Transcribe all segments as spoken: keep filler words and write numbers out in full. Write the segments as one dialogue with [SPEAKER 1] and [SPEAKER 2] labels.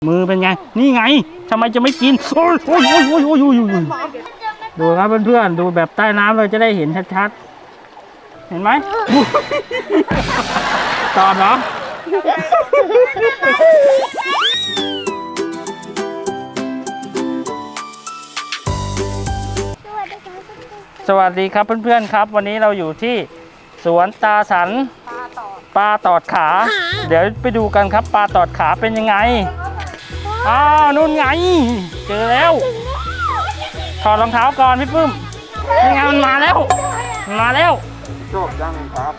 [SPEAKER 1] มือเป็นไงนี่ไงทำไมจะไม่กินโอ้ยโอ้ยโอ้ยโอ้ยโอ้ยโอ้ยดูครับเพื่อนๆดูแบบใต้น้ำเราจะได้เห็นชัดๆเห็นไหมตอบเหรอสวัสดีครับเพื่อนๆครับวันนี้เราอยู่ที่สวนตาสันปลาตอดขาเดี๋ยวไปดูกันครับปลาตอดขาเป็นยังไงอ้าวนู่นไงเจอแล้วถอดรองเท้าก่อนพี่ปื้มนี่ไงมันมาแล้วมันมาแล้ว
[SPEAKER 2] ชอบจังครับ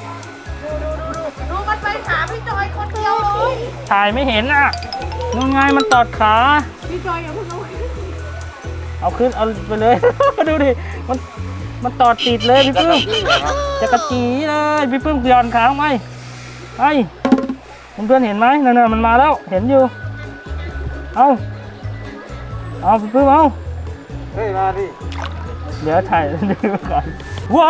[SPEAKER 3] ดูมันไปขาพี่จอยคนเดียวเลย
[SPEAKER 1] ถ่ายไม่เห็นอ่ะนู่นไงมันตอดขา
[SPEAKER 3] พี่จอยอย่าเพิ่งเอา
[SPEAKER 1] เอาขึ้นเอาไปเลย ดูดิมันมันตอดติดเลยพี่ปื้มจะกระจีเลยพี่ปื้มย้อนขาลงไปไอ้เพื่อนๆเห็นไหมนั่นๆมันมาแล้วเห็นอยู่เอาเอาพี่ปื้มเอา
[SPEAKER 2] เฮ้ยมาดิ
[SPEAKER 1] เดี๋ยวถ่ายดูก่อนว้าว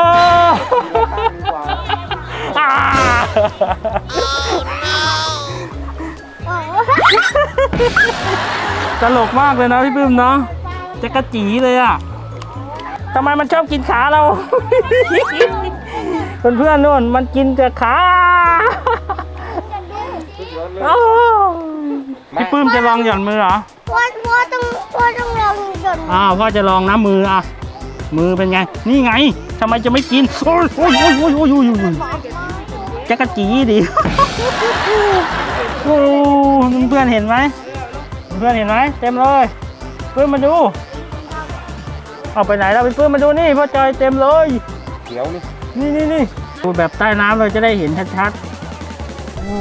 [SPEAKER 1] ตลกมากเลยนะพี่ปื้มเนาะจะกระจีเลยอ่ะทำไมมันชอบกินขาเรา เพื่อนๆนู่นมันกินแต่ขาพี่ปื้มจะลองหย่อนมือเหรอ
[SPEAKER 3] พ่อพ่อต้องพ่อต้องลองหย่อน
[SPEAKER 1] อ้าวพ่อจะลองนะมืออ่ะมือเป็นไงนี่ไงทำไมจะไม่กินโอ้ยโอ้ยโอ้ยโอ้ยโอ้ยโอ้ยจะกระจีดิโอ้เพื่อนเห็นไหมเพื่อนเห็นไหมเต็มเลยปื้มมาดูเอาไปไหนเราเป็นปื้มมาดูนี่พ่อจอยเต็มเลย
[SPEAKER 2] เขียวนี่
[SPEAKER 1] นี่นี่นี่ดูแบบใต้น้ำเราจะได้เห็นชัดๆโอ้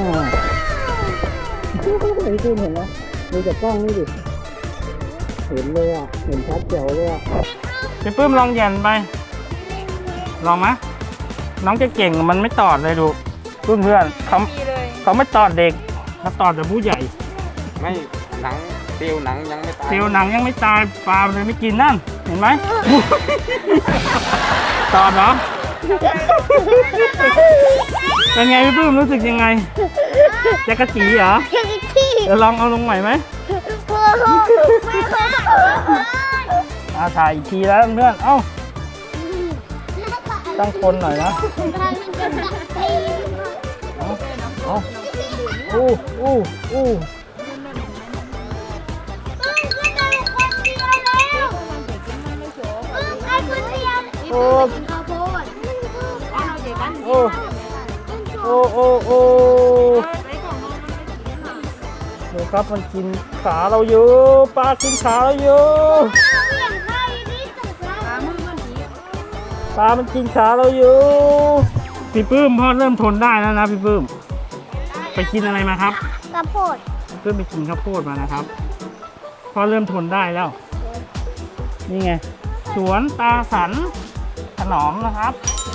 [SPEAKER 1] พี่ปื้มเห็นไหมดูจากกล้องนี่ดิเห็นเลยอ่ะเห็นชัดเจ๋วเลยอ่ะพี่ปื้มลองหย่อนไปลองไหมน้องจะเก่งมันไม่ตอดเลยดูเพื่อนเพื่อนเขาเขาไม่ตอดเด็กเขาตอดแต่ผู้ใหญ่
[SPEAKER 2] ไม่หนังเซลล์หนังยังไม่ตาย
[SPEAKER 1] เซลล์หนังยังไม่ตายปลาเลยไม่กินนั่นเห็นไหมตอดเหรอเป็นไงพี่ปื้มรู้สึกยังไงจะกระจีเหรอเดี๋ยวลองเอาลงใหม่ไหมอาถ่ายอีกทีแล้วเพื่อนเอ้าตั้งคนหน่อยนะเอาอู้อู้อู้โอ้โอ้โอ้โอ้โอ้ดูครับมันกินขาเราอยู่ปลากินขาเราอยู่ปลามันกินขาเราอยู่พี่ปื้มพ่อเริ่มทนได้แล้วนะพี่ปื้มไปกินอะไรมาครับ
[SPEAKER 3] ข้าวโพด
[SPEAKER 1] เพิ่มไปกินข้าวโพดมานะครับพ่อเริ่มทนได้แล้วนี่ไงสวนตาสันถนอมนะครับ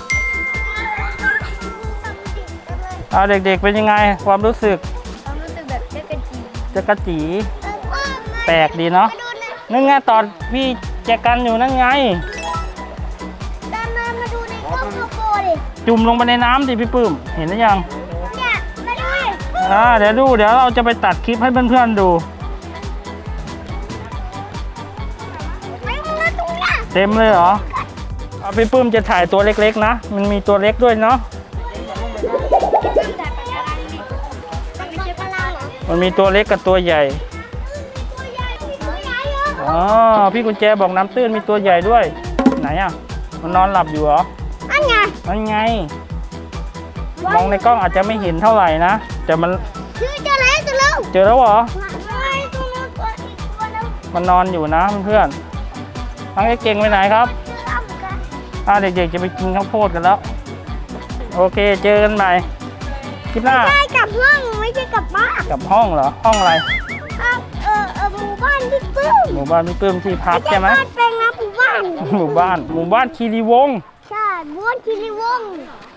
[SPEAKER 1] เอาเด็กๆเป็นยังไงความรู้สึก
[SPEAKER 3] ความรู้สึกแบบจะกระจี
[SPEAKER 1] จะกระจีแปลกดีเนาะนั่นไงตอนพี่แจกันอยู่นั่นไง
[SPEAKER 3] มาดูในกล้องข้าวโพดดิ
[SPEAKER 1] จุ่มลงไปในน้ำดิพี่ปื้มเห็นหรือยัง
[SPEAKER 3] เนี่ยมาดูดิ
[SPEAKER 1] อ่าเดี๋ยวดูเดี๋ยวเราจะไปตัดคลิปให้เพื่อนๆดูเต็มเลยเหรอเอาพี่ปื้มจะถ่ายตัวเล็กๆนะมันมีตัวเล็กด้วยเนาะมันมีตัวเล็กกับตัวใหญ่อ๋อพี่กุญแจบอกน้ำตื้นมีตัวใหญ่ด้วยไหนอ่ะมันนอนหลับอยู่เหรอ
[SPEAKER 3] อันไง
[SPEAKER 1] อันไงมองในกล้องอาจจะไม่เห็นเท่าไหร่นะแต่มัน
[SPEAKER 3] เจอแล้วเจอแล้ว
[SPEAKER 1] เจอแล้วเหรอมันนอนอยู่นะเพื่อนๆทั้งเก่งไปไหนครับอ่าเด็กๆจะไปกินข้าวโพดกันแล้วโอเคเจอกันใหม่คลิปหน้า
[SPEAKER 3] ใช่กลับห้องไม่ใช่กลับบ้าน
[SPEAKER 1] กลับห้องเหรอห้องอะไร
[SPEAKER 3] เออเออหมู่บ้านพี่ปื้ม
[SPEAKER 1] หมู่บ้านพี่ปื้มที่พักใช่ไหม
[SPEAKER 3] เป็นนะหมู่บ้าน
[SPEAKER 1] หมู่บ้านหมู่บ้านคีรีวงศ์
[SPEAKER 3] ใช่หมู่บ้านคีรีวงศ์